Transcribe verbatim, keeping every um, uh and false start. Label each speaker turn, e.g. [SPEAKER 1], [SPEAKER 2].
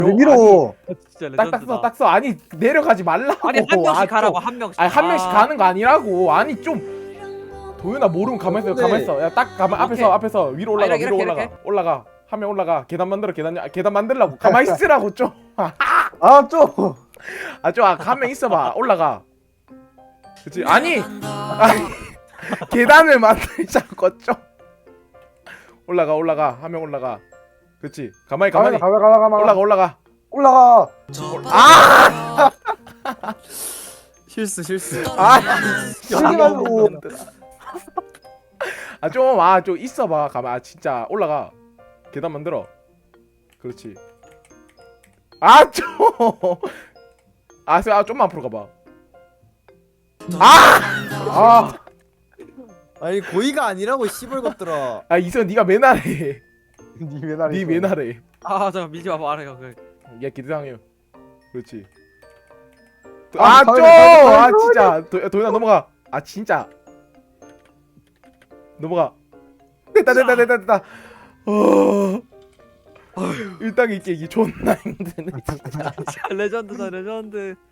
[SPEAKER 1] 왜 밀어?
[SPEAKER 2] 진짜
[SPEAKER 3] 딱 딱
[SPEAKER 2] 레전드다.
[SPEAKER 3] 써, 딱 써. 아니 내려가지 말라고.
[SPEAKER 2] 아니 한 명씩
[SPEAKER 3] 아,
[SPEAKER 2] 가라고
[SPEAKER 3] 좀.
[SPEAKER 2] 한 명씩.
[SPEAKER 3] 아니 한 명씩
[SPEAKER 2] 아.
[SPEAKER 3] 가는 거 아니라고. 아니 좀 도윤아 모르면 가만 있어.
[SPEAKER 1] 근데-
[SPEAKER 3] 가만 있어. 야 딱 가만
[SPEAKER 2] 오케이.
[SPEAKER 3] 앞에서 앞에서 위로 올라가.
[SPEAKER 2] 아, 이렇게,
[SPEAKER 3] 위로
[SPEAKER 2] 이렇게,
[SPEAKER 3] 올라가.
[SPEAKER 2] 이렇게?
[SPEAKER 3] 올라가. 한 명 올라가. 계단 만들어. 계단 아, 계단 만들라고. 가만 있으라고 좀.
[SPEAKER 1] 아 좀.
[SPEAKER 3] 아좀한 명 있어봐. 올라가. 그렇지. 아니 아니 계단을 만들자고 좀. 올라가 올라가. 한 명 올라가. 그렇지. 가만히 가만히.
[SPEAKER 1] 가만 가만 가만
[SPEAKER 3] 올라가 올라가.
[SPEAKER 1] 올라가.
[SPEAKER 3] 아!
[SPEAKER 4] 실수 실수.
[SPEAKER 3] 아!
[SPEAKER 1] 쓰지 말고.
[SPEAKER 3] 아 좀 아 좀 있어봐. 가만. 아 진짜 올라가. 계단 만들어. 그렇지. 아 좀. 아, 아 좀만 앞으로 가봐. 아!
[SPEAKER 1] 아.
[SPEAKER 4] 아니 고의가 아니라고 씨발 것들아.
[SPEAKER 3] 아 이선 네가 맨날해.
[SPEAKER 1] 니 맨날.
[SPEAKER 3] 네 맨날해.
[SPEAKER 2] 아 잠깐 밀지 마봐. 알아요. 그.
[SPEAKER 3] 야 기대상해요. 그렇지.
[SPEAKER 1] 아,
[SPEAKER 3] 아 좀.
[SPEAKER 1] 가만히, 가만히,
[SPEAKER 3] 아
[SPEAKER 1] 가만히.
[SPEAKER 3] 진짜. 도, 도현아 넘어가. 아 진짜. 넘어가. 됐다 됐다 됐다 됐다. 어. 일 단계 깨기 존나 힘드네 진짜.
[SPEAKER 2] 레전드다 레전드.